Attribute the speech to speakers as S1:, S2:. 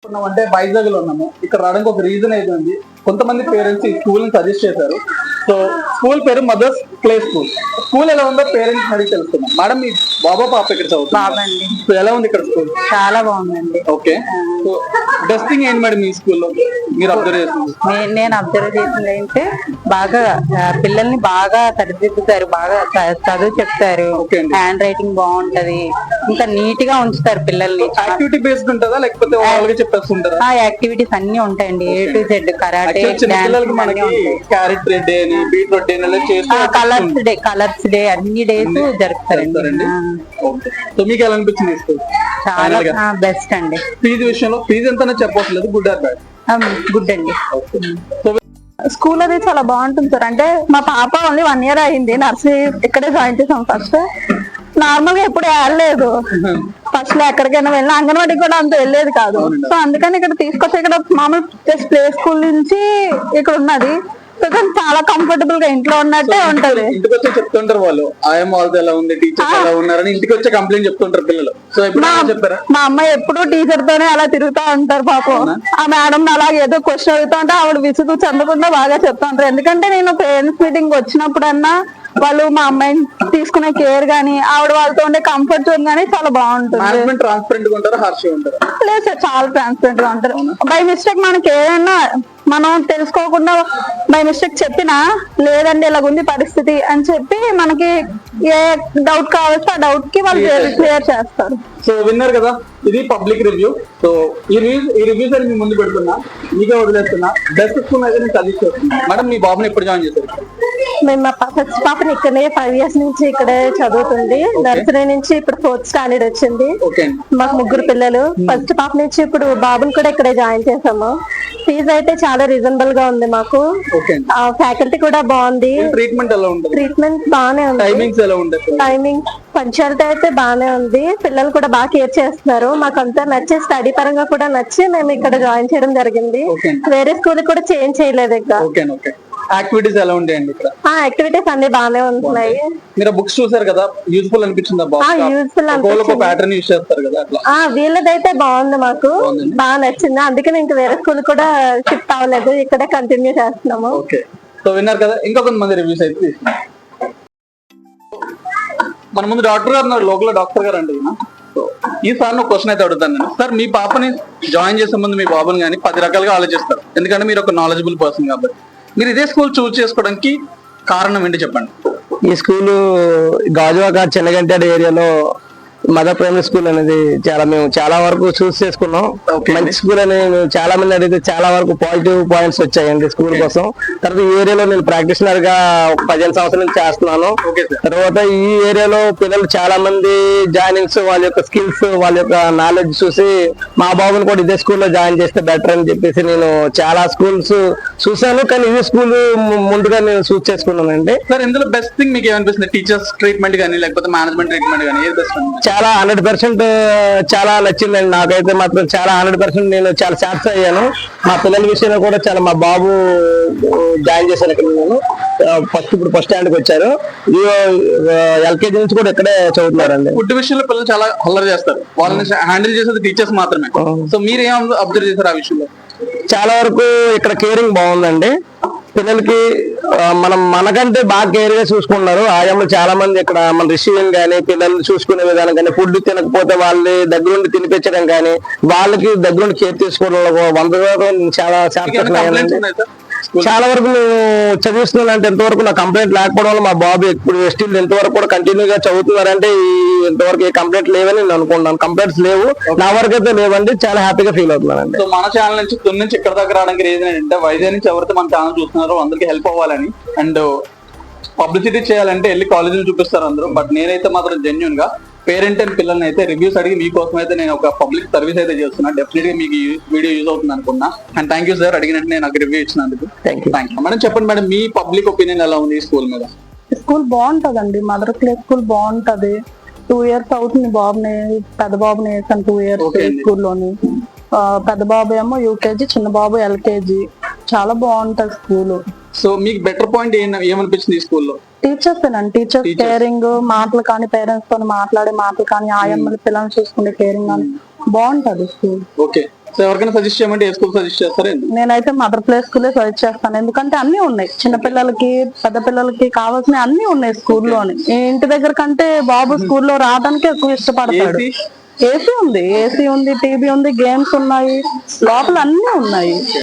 S1: అంటే వైజాగ్ లో ఉన్నాము. ఇక్కడ రావడానికి ఒక రీజన్ అయితే ఉంది. కొంతమంది పేరెంట్స్ ఈ స్కూల్ ని సజెస్ట్ చేశారు. సో స్కూల్ పేరు మదర్స్ ప్లే స్కూల్. స్కూల్ ఎలా ఉందో పేరెంట్స్ అడిగి తెలుసుకున్నాం. మేడం, మీ బాబా పాప ఇక్కడ చదువుతుంది. సో ఎలా ఉంది ఇక్కడ స్కూల్?
S2: చాలా బాగుందండి.
S1: ఓకే, సో బెస్ట్ థింగ్ ఏంటి మేడం ఈ స్కూల్లో మీరు అబ్జర్వ్ చేస్తుంది?
S2: నేను అబ్జర్వ్ చేసింది అంటే బాగా పిల్లల్ని బాగా సరిదిద్దుతారు, బాగా చదువు చెప్తారు, హ్యాండ్ రైటింగ్ బాగుంటది, ఇంకా నీట్ గా ఉంచుతారు పిల్లల్ని.
S1: యాక్టివిటీ బేస్డ్ ఉంటుందా లేకపోతే వాళ్ళకి చెప్పేస్తుంటారా?
S2: యాక్టివిటీస్ అన్ని ఉంటాయండి, A to Z. Karate,
S1: carrot day అని, బీట్రూట్ డే
S2: కలర్స్ డే అన్ని డేస్ జరుపుతారండి.
S1: సో మీకు ఎలా అనిపించింది స్కూల్?
S2: చాలా బెస్ట్ అండి.
S1: ఫీజు విషయంలో ఫీజు ఎంత చెప్పట్లేదు, గుడ్ ఆర్ బ్యాడ్?
S2: గుడ్ అండి.
S3: స్కూల్ అది చాలా బాగుంటుంది సార్. అంటే మా పాప ఓన్లీ 1 year అయింది, నర్సరీ ఇక్కడే జాయిన్ చేసాం. ఫస్ట్ నార్మల్ గా ఎప్పుడు వెళ్ళలేదు, ఫస్ట్ లో ఎక్కడికైనా వెళ్ళినా అంగన్వాడికి కూడా అంత వెళ్ళేది కాదు. సో అందుకని ఇక్కడ తీసుకొచ్చి ఇక్కడ మామూలు జస్ట్ ప్లే స్కూల్ నుంచి ఇక్కడ ఉన్నది. సో చాలా కంఫర్టబుల్ గా ఇంట్లో ఉన్నట్టే ఉంటది.
S1: ఇంటికి వచ్చి చెప్తుంటారు వాళ్ళు, ఆయమ్మ వాళ్ళతో ఎలా ఉంది, టీచర్ ఎలా ఉన్నారని ఇంటికి వచ్చి కంప్లైంట్ చెప్తుంటారు పిల్లలు. సో చెప్పారా?
S3: మా అమ్మాయి ఎప్పుడు టీచర్ తోనే అలా తిరుగుతా ఉంటారు పాపం. ఆ మేడం అలాగే ఏదో క్వశ్చన్ అడుగుతా ఉంటే ఆవిడ విసుగు చెందకుండా బాగా చెప్తా ఉంటారు. ఎందుకంటే నేను పేరెంట్స్ మీటింగ్ వచ్చినప్పుడన్నా వాళ్ళు మా అమ్మాయిని తీసుకునే కేర్ గానీ, ఆవిడ వాళ్ళతో ఉండే కంఫర్ట్ జోన్ గానీ చాలా బాగుంటుంది.
S1: ట్రాన్స్పరెంట్ గా ఉంటారు, హార్ష్ గా ఉంటారు?
S3: లేదు సార్, చాలా ట్రాన్స్పరెంట్ గా ఉంటారు. బై మిస్టేక్ మనకి ఏదైనా మనం తెలుసుకోకుండా బై మిస్టేక్ చెప్పినా, లేదండి ఇలాగుంది పరిస్థితి అని చెప్పి మనకి ఏ డౌట్ కావస్తే ఆ డౌట్ కి వాళ్ళు క్లియర్ చేస్తారు.
S1: సో విన్నారు కదా, ఇది పబ్లిక్ రివ్యూ. సో ఈ రివ్యూస్ అని మీ ముందు పెడుతున్నా, మీకే వదిలేస్తున్నా. బెస్ట్ స్కూల్ అయితే నేను సజెస్ట్ చేస్తున్నా. మేడం, మీ బాబుని ఎప్పుడు జాయిన్ చేశారు?
S3: మేము మా ఫస్ట్ పాపని ఇక్కడే 5 years నుంచి ఇక్కడే చదువుతుంది. నర్సరీ నుంచి ఇప్పుడు 4th standard వచ్చింది. మాకు 3 పిల్లలు. ఫస్ట్ పాప నుంచి ఇప్పుడు బాబుని కూడా ఇక్కడే జాయిన్ చేసాము. ఫీజు అయితే చాలా రీజనబుల్ గా ఉంది మాకు. ఫ్యాకల్టీ కూడా బాగుంది.
S1: ట్రీట్మెంట్ ఎలా ఉంటుంది?
S3: ట్రీట్మెంట్ బాగానే ఉంది.
S1: టైమింగ్స్ ఎలా ఉంటుంది?
S3: టైమింగ్ పంచాలిటీ అయితే బాగానే ఉంది. పిల్లలు కూడా బాగా కేర్ చేస్తున్నారు. మాకు అంతా నచ్చి, స్టడీ పరంగా కూడా నచ్చి మేము ఇక్కడ జాయిన్ చేయడం జరిగింది. వేరే స్కూల్ కూడా చేంజ్ చేయలేదు. ఇంకా
S1: యాక్టివిటీస్ ఎలా ఉంటాయండి ఇక్కడ?
S3: యాక్టివిటీస్ అన్ని బాగానే ఉంటున్నాయి.
S1: మీరు బుక్స్ చూసారు కదా, యూజ్ఫుల్ అనిపించిందా?
S3: యూజ్ఫుల్
S1: ప్యాటర్న్ యూజ్ చేస్తారు కదా అట్లా.
S3: వీళ్ళదైతే బాగుంది, మాకు బాగా నచ్చింది. అందుకని ఇంకా వేరే స్కూల్ కూడా షిఫ్ట్ అవ్వలేదు, ఇక్కడే కంటిన్యూ చేస్తున్నాము.
S1: ఓకే, సో విన్నారు కదా, ఇంకా కొంతమంది రివ్యూస్ అయితే తీసుకున్నాం. మన ముందు డాక్టర్ గారు ఉన్నారు, లోకల్ డాక్టర్ గారు అండి. ఈ సార్ క్వశ్చన్ అయితే అడుగుతాను నేను. సార్, మీ పాపని జాయిన్ చేసే ముందు మీ బాబుని కానీ 10 రకాలుగా ఆలోచిస్తారు, ఎందుకంటే మీరు ఒక నాలెడ్జబుల్ పర్సన్ కాబట్టి. మీరు ఇదే స్కూల్ చూస్ చేసుకోవడానికి కారణం ఏంటి చెప్పండి?
S4: ఈ స్కూలు గాజువాక చెన్నగంటాడు ఏరియాలో మదర్ ప్రైమరీ స్కూల్ అనేది మేము చాలా వరకు చూస్ చేసుకున్నాం. మంచి స్కూల్ అని చాలా మంది అడిగితే చాలా వరకు పాజిటివ్ పాయింట్స్ వచ్చాయండి స్కూల్ కోసం. తర్వాత ఈ ఏరియాలో నేను ప్రాక్టీషనర్ గా 15 సంవత్సరాల నుంచి చేస్తున్నాను. తర్వాత ఈ ఏరియాలో పిల్లలు చాలా మంది జాయినింగ్స్, వాళ్ళ యొక్క స్కిల్స్, వాళ్ళ యొక్క నాలెడ్జ్ చూసి మా బాబుని కూడా ఇదే స్కూల్లో జాయిన్ చేస్తే బెటర్ అని చెప్పేసి నేను చాలా స్కూల్స్ చూసాను, కానీ ఇదే స్కూల్ ముందుగా నేను చూస్ చేసుకున్నానండి.
S1: సార్, ఇందులో బెస్ట్ థింగ్ మీకు ఏమనిపిస్తుంది? టీచర్స్ ట్రీట్మెంట్ కానీ లేకపోతే మేనేజ్మెంట్ ట్రీట్మెంట్ కానీ ఏది బెస్ట్?
S4: చాలా 100% చాలా నచ్చిందండి నాకైతే మాత్రం. చాలా 100% నేను చాలా సాటిస్ఫై అయ్యాను. మా పిల్లల విషయంలో కూడా చాలా, మా బాబు జాయిన్ చేశాను ఇక్కడ. నేను ఇప్పుడు ఫస్ట్ స్టాండ్కి వచ్చారు, LKG నుంచి కూడా ఇక్కడే చదువుతున్నారండి.
S1: ఫుడ్ విషయంలో పిల్లలు చాలా అల్లరి చేస్తారు, వాళ్ళని హ్యాండిల్ చేసేది టీచర్స్ మాత్రమే. సో మీరు ఏం అబ్జర్వ్ చేశారు ఆ విషయంలో?
S4: చాలా వరకు ఇక్కడ కేరింగ్ బాగుందండి. పిల్లలకి మనకంటే బాగా కేర్ గా చూసుకుంటున్నారు ఆయమ్మలు చాలా మంది. ఇక్కడ మన రిసీవింగ్ కానీ, పిల్లల్ని చూసుకునే విధానం కానీ, ఫుడ్ తినకపోతే వాళ్ళని దగ్గరుండి తినిపించడం కానీ, వాళ్ళకి దగ్గరుండి కేర్ తీసుకోవడంలో 100% చాలా చాలా వరకు మేము చదివిస్తున్నాను. అంటే ఎంతవరకు నా కంప్లైంట్ లేకపోవడం వల్ల మా బాబు ఇప్పుడు స్టిల్ ఎంతవరకు కూడా కంటిన్యూగా చదువుతున్నారంటే ఇంతవరకు ఏ కంప్లైంట్ లేవని నేను అనుకుంటున్నాను. కంప్లైంట్స్ లేవు, నా వరకు అయితే లేవండి. చాలా హ్యాపీగా ఫీల్ అవుతున్నానండి.
S1: సో మన ఛానల్ నుంచి తుని నుంచి ఇక్కడ దగ్గర రావడానికి రీజన్ ఏంటంటే, వైజాగ్ నుంచి ఎవరైతే మన ఛానల్ చూస్తున్నారో అందరికి హెల్ప్ అవ్వాలని అండ్ పబ్లిసిటీ చేయాలంటే వెళ్ళి కాలేజీలు చూపిస్తారు అందరూ. బట్ నేనైతే మాత్రం జెన్యున్ గా పేరెంట్ అండ్ పిల్లల్ని అయితే రివ్యూస్ అడిగి మీకోసం అయితే నేను ఒక పబ్లిక్ సర్వీస్ అయితే చేస్తున్నా. డెఫినెట్ గా మీకు వీడియో యూజ్ అవుతుంది అనుకున్నా. అండ్ థ్యాంక్ యూ సార్, అడిగినట్టు నేను నాకు రివ్యూ ఇచ్చినందుకు. Thank you. మేడం, చెప్పండి మేడం, మీ పబ్లిక్ ఒపీనియన్ ఎలా ఉంది ఈ స్కూల్ మీద?
S3: స్కూల్ బాగుంటదండి, మదర్ ప్లే స్కూల్ బాగుంటది. 2 years అవుతుంది బాబుని, పెద్ద బాబుని వేసాను 2 years స్కూల్లోని. పెద్ద బాబు ఏమో UKG, చిన్న బాబు LKG. చాలా బాగుంటది స్కూల్.
S1: సో మీకు బెటర్ పాయింట్ ఏమనిపించింది ఈ స్కూల్లో?
S3: టీచర్స్ కేరింగ్, మాటలు కానీ, పేరెంట్స్ తో మాట్లాడే మాటలు కానీ, ఆయమ్మలు పిల్లల్ని చూసుకునే కేరింగ్ కానీ బాగుంటది స్కూల్.
S1: ఓకే, సో ఎవరికైనా సజెస్ట్ చేయమంటే ఏ స్కూల్ సజెస్ట్ చేస్తారా?
S3: నేనైతే మదర్ ప్లే స్కూలే సజెస్ట్ చేస్తాను, ఎందుకంటే అన్ని ఉన్నాయి, చిన్న పిల్లలకి పెద్ద పిల్లలకి కావాల్సిన అన్ని ఉన్నాయి స్కూల్లోని. ఇంటి దగ్గర కంటే బాబు స్కూల్లో రావడానికి ఎక్కువ ఇష్టపడతాడు. ఏసీ ఉంది, టీవీ ఉంది, గేమ్స్ ఉన్నాయి, లోపల అన్ని ఉన్నాయి.